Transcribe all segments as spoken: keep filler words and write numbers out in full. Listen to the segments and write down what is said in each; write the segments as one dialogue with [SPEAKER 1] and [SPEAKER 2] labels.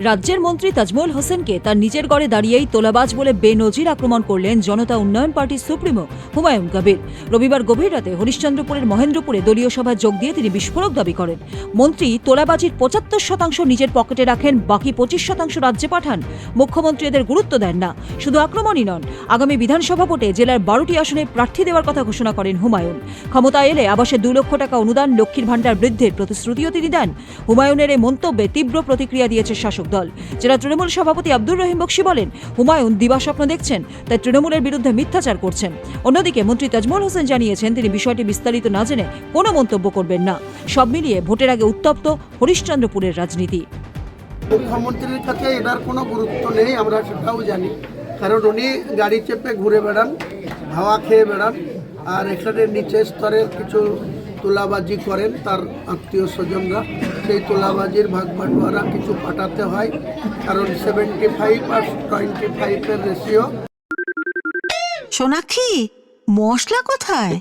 [SPEAKER 1] রাজ্যের মন্ত্রী তাজমল হোসেনকে তার নিজের গড়ে দাঁড়িয়েই তোলাবাজ বলে বেনজির আক্রমণ করলেন জনতা উন্নয়ন পার্টির সুপ্রিমো হুমায়ুন কবির। রবিবার গভীর রাতে হরিশ্চন্দ্রপুরের মহেন্দ্রপুরে দলীয় সভায় যোগ দিয়ে তিনি বিস্ফোরক দাবি করেন। মন্ত্রী তোলাবাজির পঁচাত্তর শতাংশ নিজের পকেটে রাখেন, বাকি পঁচিশ শতাংশ রাজ্যে পাঠান। মুখ্যমন্ত্রী এদের গুরুত্ব দেন না। শুধু আক্রমণই নন, আগামী বিধানসভা ভোটে জেলার বারোটি আসনে প্রার্থী দেওয়ার কথা ঘোষণা করেন হুমায়ুন। ক্ষমতা এলে আবাসে দু লক্ষ টাকা অনুদান, লক্ষ্মীর ভাণ্ডার বৃদ্ধির প্রতিশ্রুতিও তিনি দেন। হুমায়ুনের এই মন্তব্যে তীব্র প্রতিক্রিয়া দিয়েছে শাসক দল। জেলা তৃণমূল সভাপতি আব্দুর রহিম বক্সি বলেন, হুমায়ুন দিবাস্বপ্ন দেখছেন, তাই তৃণমূলের বিরুদ্ধে মিথ্যাচার করছেন। অন্যদিকে মন্ত্রী তাজমল হোসেন জানিয়েছেন, তিনি বিষয়টি বিস্তারিত না জেনে কোনো মন্তব্য করবেন না। সব মিলিয়ে ভোটের আগে উত্তপ্ত হরিশ্চন্দ্রপুরের রাজনীতি।
[SPEAKER 2] মুখ্যমন্ত্রীর কাছে এটার কোনো গুরুত্ব নেই, আমরা সেটাও জানি, কারণ উনি গাড়ি চেপে ঘুরে বেড়ান, হাওয়া খেয়ে বেড়ান, আর এখানে নিচে স্তরের কিছু তোলাবাজি করেন তার আত্মীয় স্বজনরা। সেই তোলাবাজির ভাগ বাটোয়ারা কিছু পাঠাতে হয়, কারণ সেভেন্টি ফাইভ আর টোয়েন্টি ফাইভের রেশিও।
[SPEAKER 3] সোনাক্ষী, মশলা কোথায়?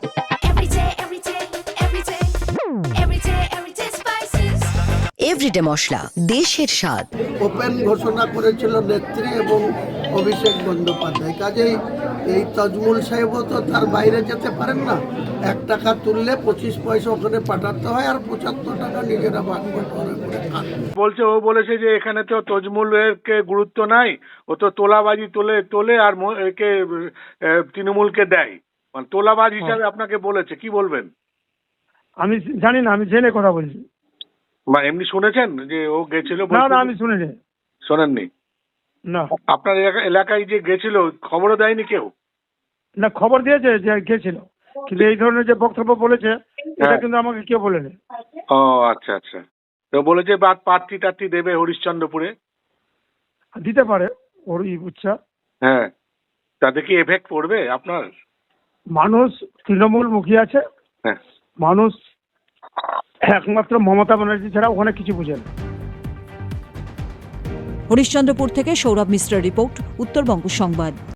[SPEAKER 3] এভরিডে মশলা, দেশের স্বাদ।
[SPEAKER 2] ওপেন ঘোষণা করেছিল নেত্রী এবং অভিষেক বন্দ্যোপাধ্যায়। কাজেই এই তাজমুল সাহেবও তো তার বাইরে যেতে পারেন না। এক টাকা তুললে পঁচিশ পয়সা ওখানে পাঠাতে হয়, আর পঁচাত্তর টাকা নিজেরা ভাগ বাটোয়ারা করে খান।
[SPEAKER 4] বলছে ও বলেছে যে এখানে তো তজমুলের কে গুরুত্ব নাই, ও তো তোলাবাজি তোলে তোলে আর ম- একে আহ, তৃণমূলকে দেয়, মানে তোলাবাজ হিসাবে আপনাকে বলেছে। কি বলবেন?
[SPEAKER 5] আমি জানি না, আমি জেনে কথা বলছি।
[SPEAKER 4] বা এমনি শুনেছেন যে ও গেছিল?
[SPEAKER 5] না না, আমি শুনিনি।
[SPEAKER 4] শোনেননি?
[SPEAKER 5] না
[SPEAKER 4] আপনার এলাকা- এলাকায় যে গেছিল খবরও দেয়নি কেউ?
[SPEAKER 5] না, খবর দিয়েছে যে গেছিল, কিন্তু এই ধরনের যে বক্তব্য বলেছে এটা
[SPEAKER 4] হ্যাঁ।
[SPEAKER 5] কিন্তু আমাকে কেউ বলেনি।
[SPEAKER 4] ও আচ্ছা আচ্ছা। তো বলেছে বা প্রার্থী টার্থী দেবে হরিশ্চন্দ্রপুরে।
[SPEAKER 5] দিতে পারে, ওর ইচ্ছা।
[SPEAKER 4] হ্যাঁ, তাতে কি এফেক্ট পড়বে আপনার?
[SPEAKER 5] মানুষ তৃণমূল মুখী আছে,
[SPEAKER 4] হ্যাঁ,
[SPEAKER 5] মানুষ একমাত্র মমতা ব্যানার্জি ছাড়া ওখানে কিছু বুঝে না।
[SPEAKER 1] হরিশ্চন্দ্রপুর থেকে সৌরভ মিশ্রের রিপোর্ট, উত্তরবঙ্গ সংবাদ।